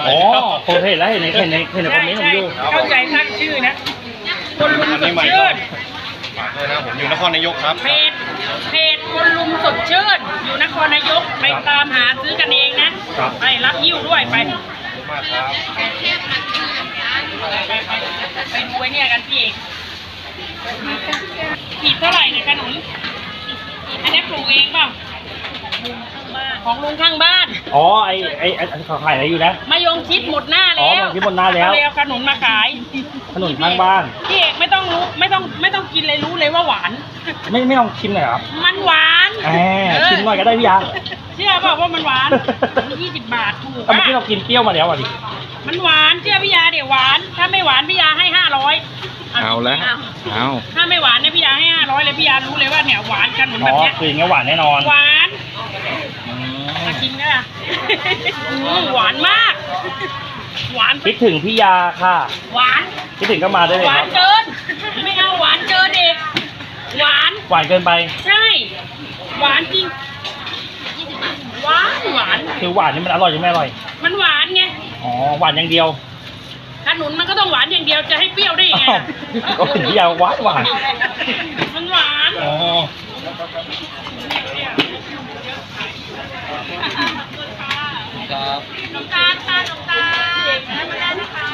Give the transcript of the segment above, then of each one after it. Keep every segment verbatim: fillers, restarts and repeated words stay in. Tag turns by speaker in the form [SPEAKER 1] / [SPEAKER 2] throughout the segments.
[SPEAKER 1] อ๋อผมเห็นแล้วเห็นในเห็นในเห็นในคอมเมนต์ผมอยู่
[SPEAKER 2] เข้าใจตั้งชื่อนะคนลุมสดชื่น
[SPEAKER 3] ฝากด้วยนะผมอยู่นครนายกครับ
[SPEAKER 2] เพจเพจคนลุมสดชื่นอยู่นครนายกไปตามหาซื้อกันเองนะไปรับยิ้วด้วยไป
[SPEAKER 3] ขอบคุณมากครับ
[SPEAKER 2] ไปไปไปดูไอ้เนี่ยกันพี่เอกขีดเท่าไหร่เนี่ยขนุนอันนี้ปลูกเองเปล่าของลุงข้างบ้าน
[SPEAKER 1] อ๋อไอไอไอเขาขายอะไรอยู่นะ
[SPEAKER 2] มายงชิดหมดหน้า
[SPEAKER 1] อ๋อ
[SPEAKER 2] แล้ว
[SPEAKER 1] มายงชิดหมดหน้าแล้ว
[SPEAKER 2] เอขนุนมาขาย
[SPEAKER 1] ขนมข้างบ้าน
[SPEAKER 2] พี่เอกไม่ต้องรู้ไม่ต้องไม่ต้องกินเลยรู้เลยว่าหวาน
[SPEAKER 1] ไม่ไม่ลองชิมหน่อยครับ
[SPEAKER 2] มันหวาน
[SPEAKER 1] แหมชิมหน่อยก็ได้พี่ยา
[SPEAKER 2] เชื่อเปล่าว่ามันหวานยี่สิบบาทถูก
[SPEAKER 1] เมื่อกี้
[SPEAKER 2] อะ
[SPEAKER 1] เรากินเปรี้ยวมาแล้วอ่ะดิ
[SPEAKER 2] มันหวานเชื่อพี่ยาเดี๋ยวหวาน ถ้าไม่หวานพี่ยาให้ห้าร้อย
[SPEAKER 4] เอาแล้วเอา
[SPEAKER 2] ถ้าไม่หวานเนี่ยพี่ยาให้ห้าร้อยเลยพี่ยารู้เลยว่าเนี่ยหวานกันเหมือน
[SPEAKER 1] อ๋
[SPEAKER 2] แบ
[SPEAKER 1] อบ
[SPEAKER 2] เนี้ย
[SPEAKER 1] คืออย่างเงี้ยหวานแน่นอน
[SPEAKER 2] หวาน
[SPEAKER 1] อืม
[SPEAKER 2] มาชิมกันอ่ะอืมหวานมาก หวาน
[SPEAKER 1] คิดถึงพี่ยาค่ะ
[SPEAKER 2] หวาน
[SPEAKER 1] คิดถึงก็มาได้เลย
[SPEAKER 2] หวา
[SPEAKER 1] คน รับ
[SPEAKER 2] เกิน ไม่เอาหวานเกินเด็ก หวาน
[SPEAKER 1] หวานเกินไป
[SPEAKER 2] ใช่ หวานจริงหวานหวาน
[SPEAKER 1] คือหวานนี่มันอร่อยใช่ไหมอร่อย
[SPEAKER 2] มันหวานไง
[SPEAKER 1] อ๋อหวานอย่างเดียว
[SPEAKER 2] ขนุนมันก็ต้องหวานอย่างเดียวจะให้เปรี้ยวได้ยังไง
[SPEAKER 1] อ้าว
[SPEAKER 2] อะ
[SPEAKER 1] ก็ถึงพี่ยาหวานหวาน
[SPEAKER 2] มันหวาน
[SPEAKER 1] อ๋อ
[SPEAKER 4] ครับ
[SPEAKER 2] น้ำตาลตาลน้ำตาลเด็กนะมาได้นะคะ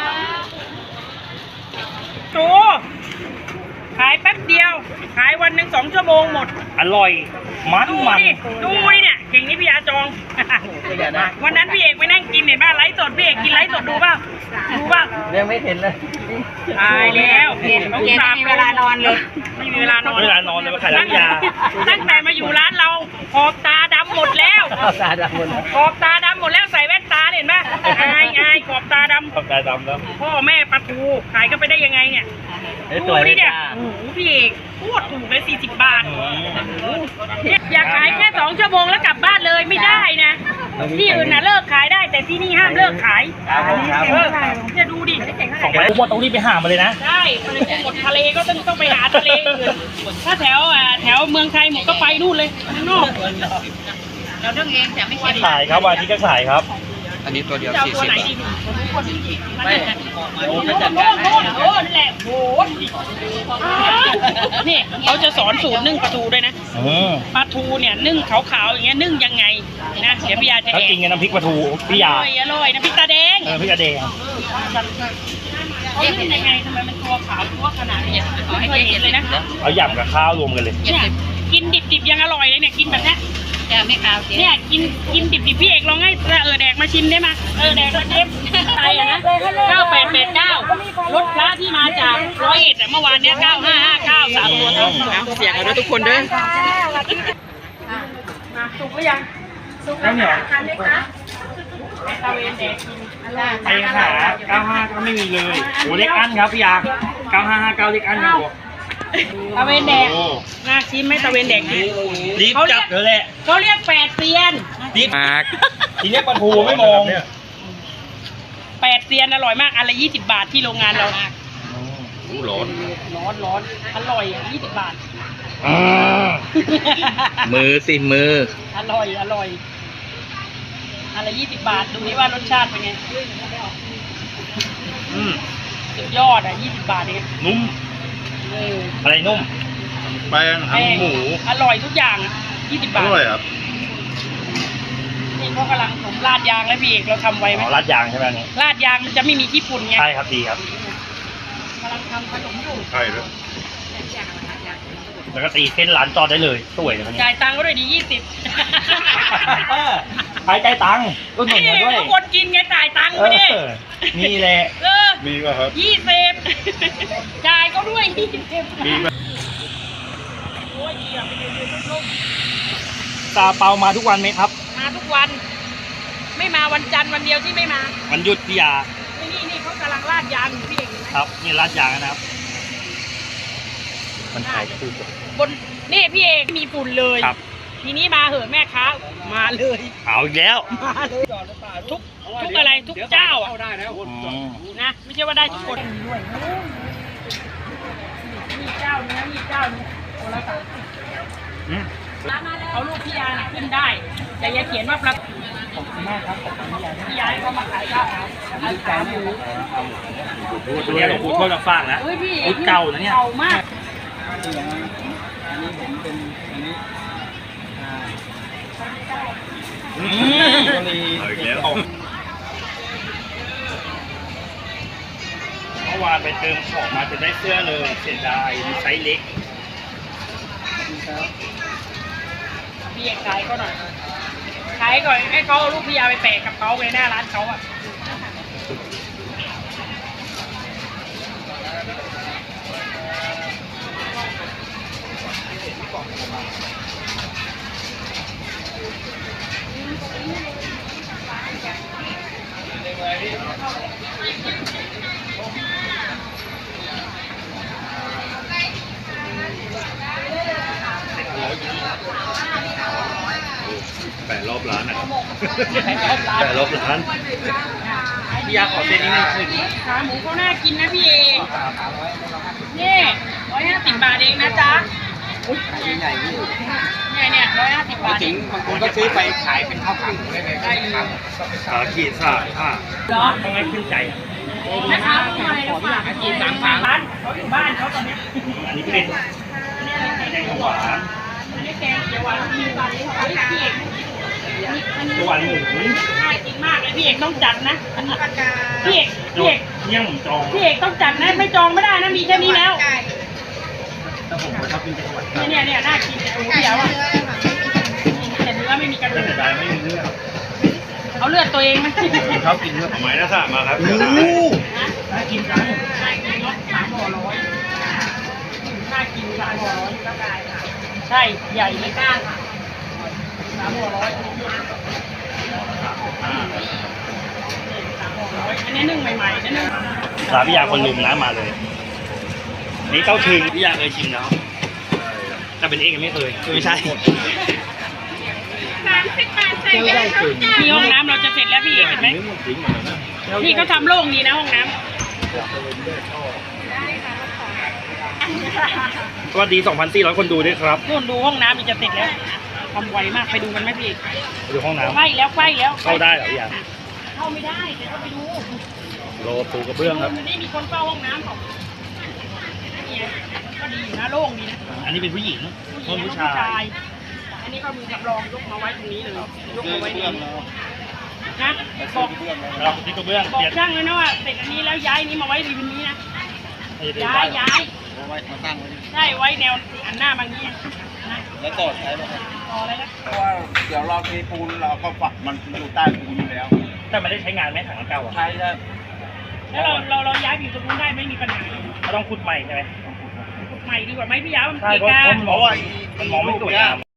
[SPEAKER 2] โตขายแป๊บเดียว ขายวันหนึ่งสองชั่วโมงหมด
[SPEAKER 1] อร่อยมัน
[SPEAKER 2] ดู
[SPEAKER 1] มัน
[SPEAKER 2] ดิดูดิเนี่ยเก่งนี่พี่ยาจอง วันนั้นพี่เอกไปนั่งกินเห็นป่ะไลฟ์สดพี่เอกกินไลฟ์สดดูป่ะดูป่ะ
[SPEAKER 1] ยังไม่เห็นเลย
[SPEAKER 2] ตายแล้ว
[SPEAKER 5] เย็นเย็นไม่มีเวลานอนเลย
[SPEAKER 2] ไม่มีเวลานอน
[SPEAKER 1] เวลานอนเลยมาขายร้านยา
[SPEAKER 2] ตั้งแต่มาอยู่ร้านเราขอบตาดำหมดแล้ว
[SPEAKER 1] ตาดำหมดแล้ว
[SPEAKER 2] ขอบตาดำหมดแล้วใส่แว่นตาเห็นป่ะอายอายขอบตาด
[SPEAKER 1] ขอบตาดำแล้ว
[SPEAKER 2] ำพ่อแม่ปลาทูขายก็ไปได้ยังไงเนี่ย
[SPEAKER 1] เอ้ยส
[SPEAKER 2] ดู
[SPEAKER 1] วย
[SPEAKER 2] ดิเนี่ย
[SPEAKER 1] จ้า
[SPEAKER 2] โอ้โหพี่เอกพูดถูกเลยสี่สิบบาท อยากขายแค่สองชั่วโมงแล้วกลับบ้านเลยไม่ได้นะ ที่อื่นน่ะเลิกขายได้แต่ที่นี่ห้ามเลิกขาย
[SPEAKER 1] ครับผมครับ
[SPEAKER 2] เออจะดูดิ
[SPEAKER 1] ของไปพวกต้องรีบไปหามาเลยนะ
[SPEAKER 2] ใช่มันเลยหมดทะเลก็ต้องต้องไปหาทะเลอื่นถ้าแถวอ่าแถวเมืองไทยหมดก็ไปนู่นเลยข้างนอก
[SPEAKER 5] เราต้องเองแต่ไม่เค็ม
[SPEAKER 1] ขายครับวันอาที่ก็ขายครับ
[SPEAKER 4] อันนี้ตัวเดียว
[SPEAKER 2] จะเอา
[SPEAKER 4] สี่
[SPEAKER 2] ตัว
[SPEAKER 4] สิบ
[SPEAKER 2] ไหน
[SPEAKER 4] บาท
[SPEAKER 2] ดีหนูไม่โน่นโน่นโน่นโอ้นั่นแหละโหนี่เขาจะสอนสูตรนึ่งปลาทูด้วยนะ
[SPEAKER 1] อืม
[SPEAKER 2] ปลาทูเนี่ยนึ่งขาวๆอย่างเงี้ยนึ่งยังไงนะเดี๋ยวพี่ยาจะ
[SPEAKER 1] ถ้า
[SPEAKER 2] แอ
[SPEAKER 1] กินกับน้ำพริกปลาทูพี่ยา
[SPEAKER 2] อร่อยอร่อยนะพี่ตาแดง
[SPEAKER 1] เออพริกกระเดง
[SPEAKER 2] เขานึ่งยังไงทำไมมันตัวขาวตัวขนาดนี้ไม่เคยเห็นเลยนะ
[SPEAKER 1] เอาหยำกับข้าวรวมกันเลย
[SPEAKER 2] เนี่ยกินดิบๆยังอร่อยเลยเนี่ยกินแบบนี้
[SPEAKER 5] จะไม่ขาวเจ๊
[SPEAKER 2] เนี่ยกินกินดิบๆพี่เอกลองให้เออแดกมาชิมได้ไหมเออแดกมาชิมไทยอะนะเก้าแปดแปดเก้ารถพระที่มาจากร้อยเอ็ดอะเมื่อวานเนี้ยเก้าห้าห้าเก้าสามตัวเท่า
[SPEAKER 4] เสียงกันด้วยทุกคนเด้อ
[SPEAKER 2] มาสุกหรือยัง
[SPEAKER 1] แล้วเหนียว
[SPEAKER 2] ตะเวนแดกกิน
[SPEAKER 1] ไปหาเก้าห้าก็ไม่มีเลยโอ้เล็กอันครับพี่ยาเก้าห้าห้าเก้าเล็กอันครับผม
[SPEAKER 2] ตะเวนแดก
[SPEAKER 1] โอ้
[SPEAKER 2] น่าชิมไหมตะเวนแดกกิน
[SPEAKER 1] รีบจับเลยแหละ
[SPEAKER 2] เขาเรียกแปดเซียน
[SPEAKER 1] รีบ
[SPEAKER 4] มาก
[SPEAKER 1] ทีนี้ปลาทูไม่มอง
[SPEAKER 2] แปดเซียนอร่อยมากอันละยี่สิบบาทที่โรงงานเรา
[SPEAKER 3] อู้ร้อน
[SPEAKER 2] ร้อนร้อนอร่อยยี่สิบบาท
[SPEAKER 1] อืม
[SPEAKER 4] มือสิมือ
[SPEAKER 2] อร่อยอร่อยอันละยี่สิบบาทดูนี่ว่ารสชาติเป็นไง
[SPEAKER 1] อืม
[SPEAKER 2] สุดยอดอ่ะยี่สิบบาทเอง
[SPEAKER 1] นุ่ม
[SPEAKER 2] เออ
[SPEAKER 1] อะไรนุ่ม
[SPEAKER 3] แป้งทั้งหมู
[SPEAKER 2] อร่อยทุกอย่างอ่ะยี่สิบบา
[SPEAKER 3] อ
[SPEAKER 2] ท
[SPEAKER 3] ร่อยครับ
[SPEAKER 2] นี่เขากำลังผมราดยางแล้วพี่เอกเราทำไว้ไหม
[SPEAKER 1] อ๋อราดยางใช่ไหมอันนี้
[SPEAKER 2] ราดยางมันจะไม่มีขี้ฝุ่นไง
[SPEAKER 1] ใช่ครับดีครับ
[SPEAKER 2] กำลังทำขนมอยู่
[SPEAKER 3] ใช่ด้วย
[SPEAKER 1] แล้วก็ตีเส้นร้านจอดได้เลยสวยเลยวันนี้
[SPEAKER 2] จ่ายตังค์ก็ด้วยดียี่สิบ
[SPEAKER 1] เออขายใจตังค์ก็หนุนมาด้วย
[SPEAKER 2] ทุกคนกินไงจ่ายตังค์
[SPEAKER 1] เอ
[SPEAKER 2] ไม่ได้
[SPEAKER 1] อนี่แหละ
[SPEAKER 2] เออ
[SPEAKER 3] มีป่ะครับ
[SPEAKER 2] ยี่สิบจ่ายก็ด้วยยี่สิบ
[SPEAKER 3] มีป่ะ
[SPEAKER 2] โอ้ยเหี้ยไปเดินๆลุ่ม
[SPEAKER 1] ซาเปามาทุกวันไหมครับ
[SPEAKER 2] ๆมาทุกวัน ไม่มาวันจันทร์วันเดียวที่ไม่มา
[SPEAKER 1] มันหยุดพี่ยา
[SPEAKER 2] นี่นี่นี่เขากำลังราดยางอยู่พี่เอกเห็นไหม
[SPEAKER 1] ครับนี่ราดยางนะครับ มันถ่ายคู่กัน
[SPEAKER 2] บนนี่พี่เอกมีฝุ่นเลย
[SPEAKER 1] ครับ
[SPEAKER 2] ทีนี้มาเหอะแม่ค้ามาเลย
[SPEAKER 1] เอาอีกแล้ว
[SPEAKER 2] มาเลยทุกทุกอะไรทุกเจ้าอ่ะ
[SPEAKER 1] อืม
[SPEAKER 2] นะไม่ใช่ว่าได้ทุกคนด้วยมีเจ้าเนี้ยมีเจ้านี้โอ้ละสามสิบ
[SPEAKER 1] อืม
[SPEAKER 2] เอารูปพี่ยาน่ะขึ้นได้ แต่อย่าเขียนว่าประขอบคุณมากครับขอบคุณพี่ยาพี่ยาเขามาขายข้าวดีใจมาก
[SPEAKER 1] เนี่ยหลวงปู่ทวดมาฝากนะ
[SPEAKER 2] เฮ้ยพี่
[SPEAKER 1] รุ่นเก่านะเนี่ย
[SPEAKER 2] เก่ามาก
[SPEAKER 1] อืม
[SPEAKER 3] เอาอีกแล้ว
[SPEAKER 1] เมื่อวานไปเติมของมาจะได้เสื้อเลยเสียดายมีไซส์เล็ก
[SPEAKER 2] พี่เอกขายก็หน่อยขายก่อนให้เขาเอารูปพี่ยาไปแปะกับเขาไว้หน้าร้านเขาอ่ะ
[SPEAKER 3] แปดรอบร้านอ่ะ
[SPEAKER 1] แต่ลบร้านพี่ยาขอเส้นนี้หนึ่งคืน
[SPEAKER 2] ขาหมูเขาน่ากินนะพี่เอนี่ร้อยห้าสิบบาทเองนะจ๊ะเนี่ยเนี่ยร้อยห้าสิบบาทเอง
[SPEAKER 4] บางคนก็ซื้อไปขายเป็นข้าวผัดได้เลย
[SPEAKER 2] ได้เลย
[SPEAKER 1] ขาขีดสาผ้า
[SPEAKER 2] เหรอ
[SPEAKER 1] ต้องให้ขึ้นใจอ่ะ
[SPEAKER 2] นะคะทำไมเราฝากกินสามสามร้านเขาอยู่บ้านเขาตอนนี้
[SPEAKER 1] อันนี้เป็นแกงหวาน
[SPEAKER 2] อันนี้แกงเขียวหวานมีตอนนี้เฮ้ยพี่เอก
[SPEAKER 1] หวานหมู
[SPEAKER 2] น่ากินมากเลยพี่เอกต้องจัดนะพี่เอกพี่เอก
[SPEAKER 1] เนี่ยผมจอง
[SPEAKER 2] พี่เอกต้องจัดนะไม่จองไม่ได้นะมีแค่นี้แล้ว
[SPEAKER 1] แต่ผมชอบกินแกงหวาน
[SPEAKER 2] เนี่ยเนี่ยเนี่ยน่ากินแต่โอ้โหเดี๋ยวอ่ะแต่เนื้อไม่มีกระดู
[SPEAKER 1] แต่
[SPEAKER 2] ก
[SPEAKER 1] เสียดายไม่มีเลือด
[SPEAKER 2] เอาเลือดตัวเองไหม
[SPEAKER 1] ชอบกินเลือด
[SPEAKER 3] หมายนะสะมาครับ
[SPEAKER 1] น่ากินจัง
[SPEAKER 2] น่ากินรสสามห่อร้อยน่ากินสามห่อร้อยใช่ใหญ่ไม่กล้าค่ะสามห่อร้อยสามห่อร้อยอันนี้นึ่งใหม่ๆนะนึ่ง
[SPEAKER 1] ร้านพี่ยาคนลุมนะมาเลย นี่เต้าถึงพี่ยาเคยชิมแล้วแต่เป็นเองไม่เคยไม่ใช่
[SPEAKER 2] มีห้องน้ำเราจะเสร็จแล้วพี่เห็นไหมพี่เขาทำโล่งดีนะห้องน้ำ
[SPEAKER 1] สวัสดี สองพันสี่ร้อย คนดูด้วยครับ
[SPEAKER 2] นู่นดูห้องน้ำมันจะเสร็จแล้วทำไวมากไปดูกันไหมพี่
[SPEAKER 1] ไปดูห้องน้
[SPEAKER 2] ใกล้แล้วใกล้แล้ว
[SPEAKER 1] ำเข้าได้เหรอพี่ยา
[SPEAKER 2] เข้าไม่ได้แต่ก็ไปดู
[SPEAKER 1] โรปูกระเบื้องครับ
[SPEAKER 2] มันไม่มีคนเฝ้าห้องน้ำของเนี่ยก็ดีอยู่นะโล่งดีนะ
[SPEAKER 1] อันนี้เป็นผู้หญิง
[SPEAKER 2] ผู้หญิ
[SPEAKER 1] คน
[SPEAKER 2] ง
[SPEAKER 1] ผู้
[SPEAKER 2] ผู้
[SPEAKER 1] ชาย
[SPEAKER 2] ชาย อันนี้ก็มือกับรองยกมาไว้ตรงนี้เลยยกมาไว้ตรงนี้นะบอก
[SPEAKER 1] เราที่กระเบื้อง
[SPEAKER 2] บอก
[SPEAKER 1] เปลี่ยน
[SPEAKER 2] ช่างเลยนะว่าเสร็จอันนี้แล้วย้ายนี้มาไว้ริมนี้นะ
[SPEAKER 1] ให้เดิน
[SPEAKER 2] ย้า
[SPEAKER 1] ได้
[SPEAKER 2] ยย้าย
[SPEAKER 3] ไว้มาตั้งไว้
[SPEAKER 2] ใช่ไว้แนวอันหน้าบางนี้นะ
[SPEAKER 3] แล้วต่อใช้ไหมครับ
[SPEAKER 2] ต่ออะไรนะ
[SPEAKER 3] เพราะว่าเดี๋ยวเราเทปูนเราก็ฝักมันอยู่ใต้ปูนอยู่แล้ว
[SPEAKER 1] แต่ไม่ได้ใช้งานไหมถังเก่าอ่ะ
[SPEAKER 3] ใช้ได้
[SPEAKER 2] แล้วเราเราเราย้ายไปอยู่ตรงนู้นได้ไม่มีปัญหา
[SPEAKER 1] เขาต้องขุดใหม่ใช่ไหม
[SPEAKER 2] ใหม่ดีกว่าไหมพี่ยาวมัน
[SPEAKER 1] ใช่
[SPEAKER 2] เกะ
[SPEAKER 1] เพราะ
[SPEAKER 2] กะ
[SPEAKER 1] เพราะว่ามันมองไม่สวยงาม